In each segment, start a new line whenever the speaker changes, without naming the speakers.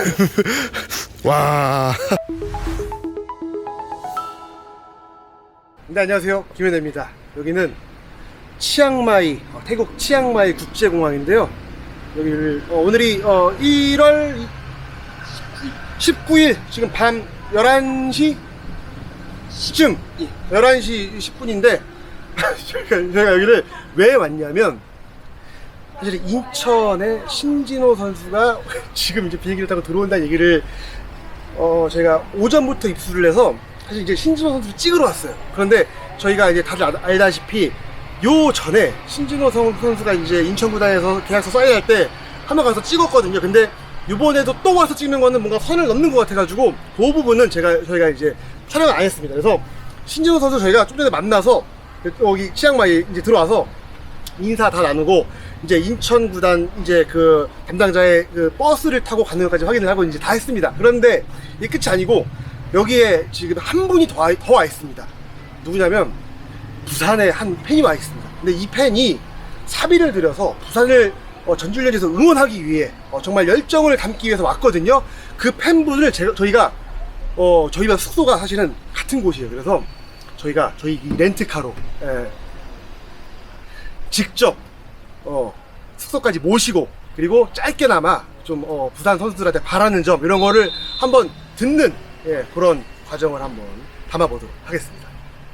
와. 네, 안녕하세요. 김현대입니다. 여기는 치앙마이, 태국 치앙마이 국제공항인데요. 여기를 오늘이 1월 19일 지금 밤 11시쯤 11시 10분인데 제가 여기를 왜 왔냐면, 사실 인천의 신진호 선수가 지금 이제 비행기를 타고 들어온다는 얘기를 제가 오전부터 입수를 해서 사실 이제 신진호 선수를 찍으러 왔어요. 그런데 저희가 이제 다들 알다시피 요 전에 신진호 선수가 이제 인천구단에서 계약서 사인할 때 한번 가서 찍었거든요. 근데 이번에도 또 와서 찍는 거는 뭔가 선을 넘는 것 같아가지고 그 부분은 저희가 이제 촬영을 안 했습니다. 그래서 신진호 선수 저희가 좀 전에 만나서 여기 치앙마이 이제 들어와서 인사 다 나누고 이제 인천구단 이제 그 담당자의 그 버스를 타고 가는 것까지 확인을 하고 이제 다 했습니다. 그런데 이게 끝이 아니고 여기에 지금 한 분이 더 와 있습니다. 누구냐면 부산의 한 팬이 와 있습니다. 근데 이 팬이 사비를 들여서 부산을 전주훈련에서 응원하기 위해 정말 열정을 담기 위해서 왔거든요. 그 팬분을 저희가 저희와 숙소가 사실은 같은 곳이에요. 그래서 저희가 저희 렌트카로 직접 숙소까지 모시고, 그리고 짧게나마 좀 부산 선수들한테 바라는 점 이런 거를 한번 듣는 그런 과정을 한번 담아보도록 하겠습니다.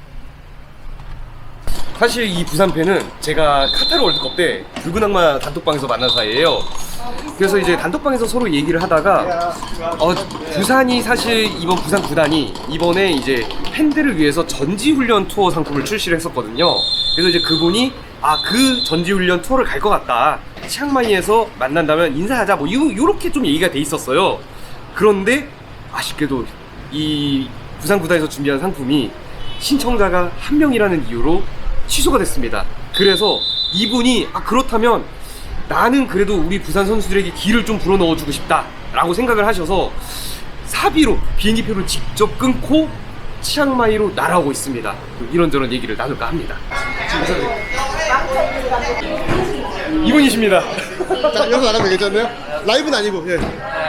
사실 이 부산팬은 제가 카타르 월드컵 때 붉은 악마 단톡방에서 만난 사이예요. 그래서 이제 단톡방에서 서로 얘기를 하다가 부산이 사실 이번 부산 구단이 이번에 이제 팬들을 위해서 전지훈련 투어 상품을 출시를 했었거든요. 그래서 이제 그분이 그 전지훈련 투어를 갈 것 같다, 치앙마이에서 만난다면 인사하자, 뭐 요렇게 좀 얘기가 돼 있었어요. 그런데 아쉽게도 이 부산 구단에서 준비한 상품이 신청자가 한 명이라는 이유로 취소가 됐습니다. 그래서 이분이 그렇다면 나는 그래도 우리 부산 선수들에게 기를 좀 불어넣어주고 싶다 라고 생각을 하셔서 사비로 비행기표를 직접 끊고 치앙마이로 날아오고 있습니다. 이런저런 얘기를 나눌까 합니다. 이분이십니다.
자, 여기서 나가면 되겠잖아요? 라이브는 아니고. 예.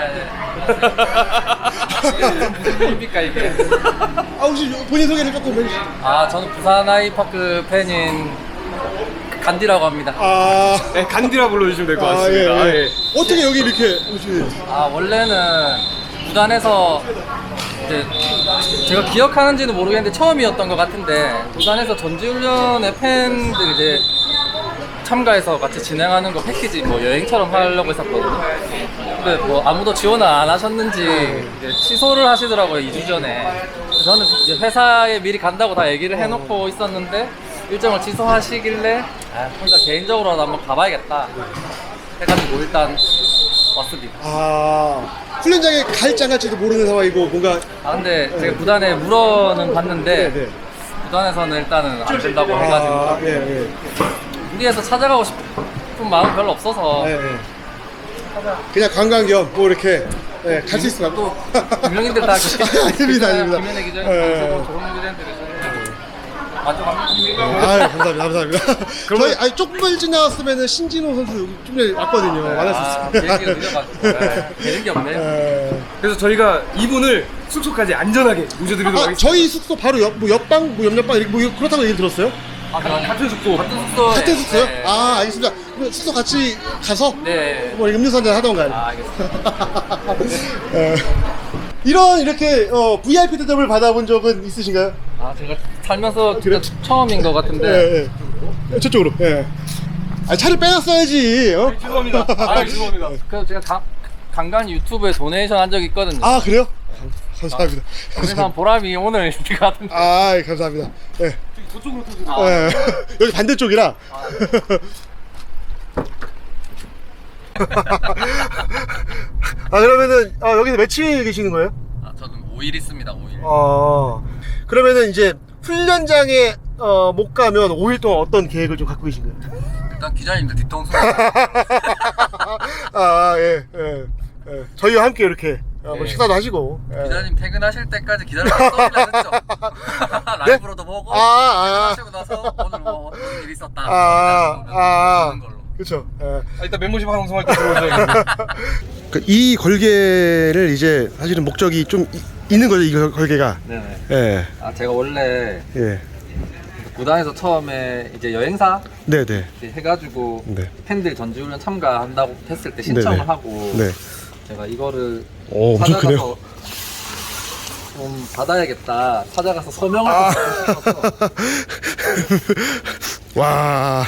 무슨 일입니까 이게?
혹시 본인 소개를 조금 해주시죠.
저는 부산 아이파크 팬인 간디라고 합니다.
네, 간디라 불러주시면 될 것 같습니다.
예. 어떻게 여기 이렇게 오시게?
원래는 부산에서 이제 제가 기억하는지는 모르겠는데 처음이었던 것 같은데, 부산에서 전지훈련의 팬들 이제 참가해서 같이 진행하는 거 패키지 뭐 여행처럼 하려고 했었거든요. 근데 뭐 아무도 지원을 안 하셨는지 이제 취소를 하시더라고요, 2주 전에. 저는 이제 회사에 미리 간다고 다 얘기를 해놓고 있었는데 일정을 취소하시길래 혼자 개인적으로도 한번 가봐야겠다 해가지고 일단 왔습니다.
훈련장에 갈지 안 갈지도 모르는 상황이고 뭔가.
근데 제가 구단에 물어는 봤는데
네.
구단에서는 일단은 안 된다고 해가지고 무리해서 찾아가고 싶은 마음 별로 없어서
그냥 관광 겸 뭐 이렇게 갈 수 있으면
또 유명인들 다
아닙니다.
김현애 기자님, 조홍 기자님들이
감사합니다. 저희 조금만 일찍 나왔으면 신진호 선수 여기 좀 전에 왔거든요. 만났었어요.
비행기가 늦어가지고 되는 게 없네요.
그래서 저희가 이분을 숙소까지 안전하게 모셔드리도록 하겠습니다.
저희 숙소 바로 옆방, 옆방 이렇게 뭐 그렇다고 얘기 들었어요?
같은 숙소.
같은 숙소에.
같은 숙소요?
네.
알겠습니다. 그럼 숙소 같이 가서
네.
뭐 음료수 한잔 하던가요?
알겠습니다.
이렇게 VIP 대접을 받아본 적은 있으신가요?
제가 살면서 진짜 처음인 것 같은데.
저쪽으로. 차를 빼놨어야지.
죄송합니다. 죄송합니다.
그래서 제가 간간히 유튜브에 도네이션 한 적이 있거든요.
그래요? 감사합니다.
그래서 한 보람이 오늘 있을 것 같은데.
감사합니다.
저쪽으로 타세요.
여기 반대쪽이라. 그러면은 여기서 며칠 계시는 거예요?
저는 5일 있습니다. 5일.
그러면은 이제 훈련장에 못 가면 5일 동안 어떤 계획을 좀 갖고 계신 거예요?
일단 기자님들 뒤통수.
저희와 함께 이렇게 뭐 식사도 하시고.
기자님 퇴근하실 때까지 기다려서 써보려 했죠. 라이브로도 보고 퇴근하시고 나서 오늘 뭐 어떤 일이 있었다. 그런 걸로.
그렇죠.
일단 멤버십 방송할 때 들어오셔야겠네요.
이 걸개를 이제 사실은 목적이 좀 있는 거죠, 이 걸개가.
네네.
예.
아 제가 원래
예.
구단에서 처음에 이제 여행사
네네.
이렇게 해가지고
네.
팬들 전지훈련 참가한다고 했을 때 신청을
네네.
하고
네.
제가 이거를
오, 엄청 크네요.
찾아가서 좀 받아야겠다. 찾아가서 서명을 받고
와.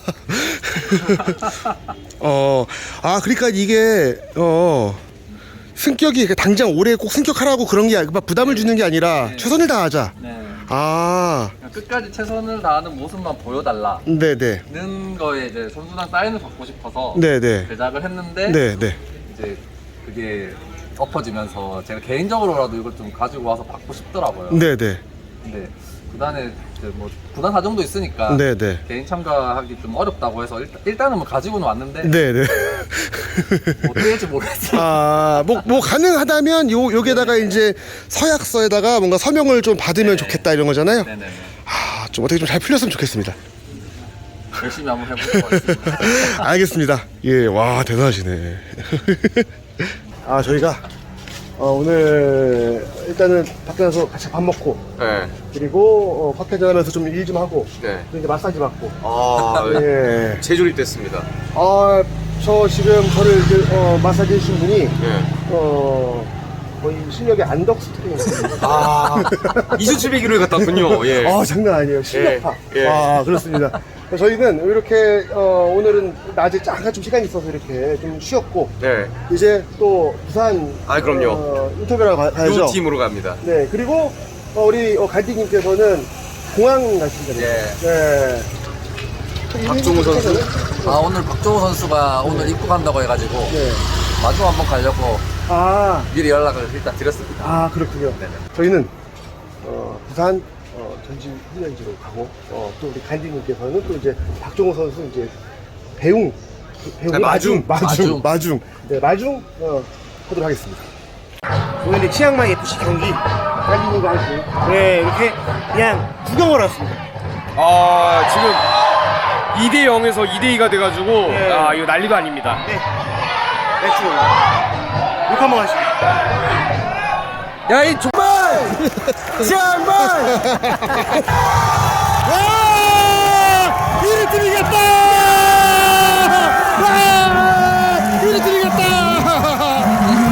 그러니까 이게, 승격이 당장 올해 꼭 승격하라고 그런 게 아니라 부담을 주는 게 아니라
네.
최선을 다하자.
네.
아,
그냥 끝까지 최선을 다하는 모습만 보여달라.
네네.
는 거에 이제 선수단 사인을 받고 싶어서
네네.
제작을 했는데
네네.
이제 그게 엎어지면서 제가 개인적으로라도 이걸 좀 가지고 와서 받고 싶더라고요.
네네.
근데 구단에 이제 뭐 구단 사정도 있으니까
네네.
개인 참가하기 좀 어렵다고 해서 일단은 뭐 가지고는 왔는데
네네.
뭐 어떻게 될지 모르겠어요.
뭐 가능하다면 요게다가 이제 서약서에다가 뭔가 서명을 좀 받으면
네.
좋겠다 이런 거잖아요.
네네네.
좀 어떻게 좀 잘 풀렸으면 좋겠습니다.
열심히 한번 해보도록 하겠습니다.
알겠습니다. 예, 와 대단하시네. 저희가 오늘 일단은 밖에 나서 같이 밥 먹고
네.
그리고 파케 전하면서 좀 일 좀 하고
네.
또 이제 마사지 받고.
아,
예.
재조립됐습니다.
저 지금 저를 이제 마사지 해주신 분이
네.
거의 실력의 안덕스트링.
2,700kg에 갔다 왔군요. 예.
장난 아니에요. 실력파.
예.
그렇습니다. 저희는 이렇게 오늘은 낮에 잠깐 좀 시간이 있어서 이렇게 좀 쉬었고
네.
이제 또 부산
그럼요.
인터뷰하러 가야죠.
요 팀으로 갑니다.
네, 그리고 우리 갈디님께서는 공항 가신다고요.
예.
네.
박종호 선수.
오늘 박종호 선수가 오늘 입국한다고 해가지고
네.
마중 한번 가려고
아,
미리 연락을 일단 드렸습니다.
그렇군요.
네네.
저희는 부산 전지 훈련지로 가고 또 우리 간디님께서는 또 이제 박종호 선수 이제 배웅 마중. 네, 마중 하도록 하겠습니다. 오늘 치앙마이 FC 경기 간디님과 함께 이렇게 그냥 구경을 왔습니다.
지금 2대 0에서 2대 2가 돼가지고
네.
이거 난리도 아닙니다.
네, 맥주 욕 한번 하시죠.
야, 이
와! 우리 팀 이겼다! 와! 우리 팀 이겼다!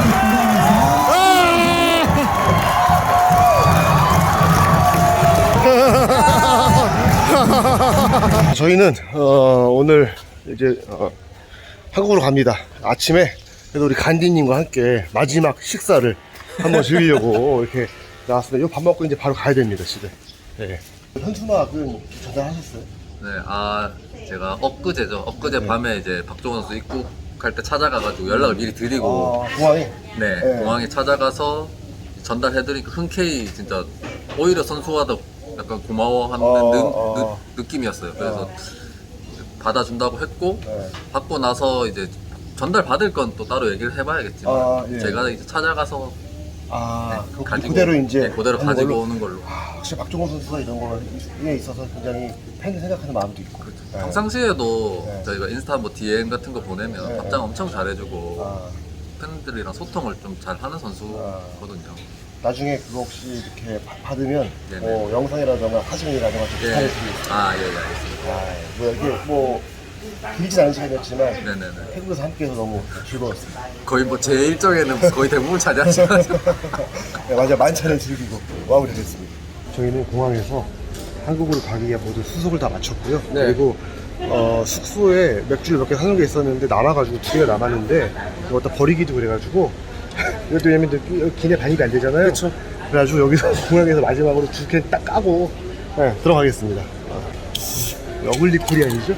저희는 오늘 이제 한국으로 갑니다. 아침에 그래도 우리 간디님과 함께 마지막 식사를 한번 즐기려고 이렇게 나왔습니다. 이거 밥 먹고 이제 바로 가야 됩니다, 집에. 네. 현수막은 전달하셨어요?
네, 제가 엊그제 밤에 이제 박종호 선수 입국할 때 찾아가가지고 연락을 미리 드리고
공항에?
네,
네.
공항에 찾아가서 전달해드리니까 흔쾌히 진짜 오히려 선수가 더 약간 고마워하는 느낌이었어요. 그래서 받아준다고 했고
네.
받고 나서 이제 전달 받을 건 또 따로 얘기를 해봐야겠지만
예.
제가 이제 찾아가서
그대로 이제
네, 그대로
하는
가지고
걸로?
오는 걸로.
확실히 박종호 선수가 이런 거에 있어서 굉장히 팬을 생각하는 마음도 있고. 네.
평상시에도
네.
저희가 인스타 뭐 DM 같은 거 보내면
네.
답장 엄청 잘해주고
아,
팬들이랑 소통을 좀 잘 하는 선수거든요.
나중에 그거 혹시 이렇게 받으면
네네.
영상이라든가 사진이라든가 좀
예.
부탁드리겠습니다.
예, 알겠습니다.
뭐 이게 뭐 길진 않은 시간이었지만
네네네.
태국에서 함께해서 너무 즐거웠습니다.
거의 뭐 제 일정에는 거의 대부분 차지하지만
네, 맞아 만찬을 즐기고 마무리됐습니다. 저희는 공항에서 한국으로 가기 위해 모두 수속을 다 마쳤고요.
네.
그리고 숙소에 맥주를 몇 개 사놓은 게 있었는데 남아가지고 2개가 남았는데 이거 다 버리기도 그래가지고 이것도 왜냐면 기내 반입이 안 되잖아요. 그렇죠. 그래가지고 여기서 공항에서 마지막으로 2캔 딱 까고 들어가겠습니다. 어글리 코리안이죠?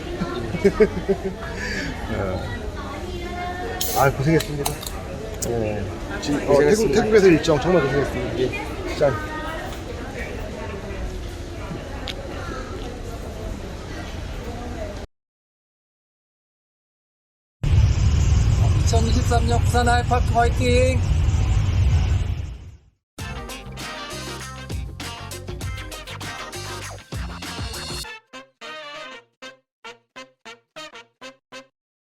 고생했습니다.
고생했습니다.
태국에서 일정 정말 고생했습니다. 예. 짠.
(2023년) 부산 아이파크 화이팅!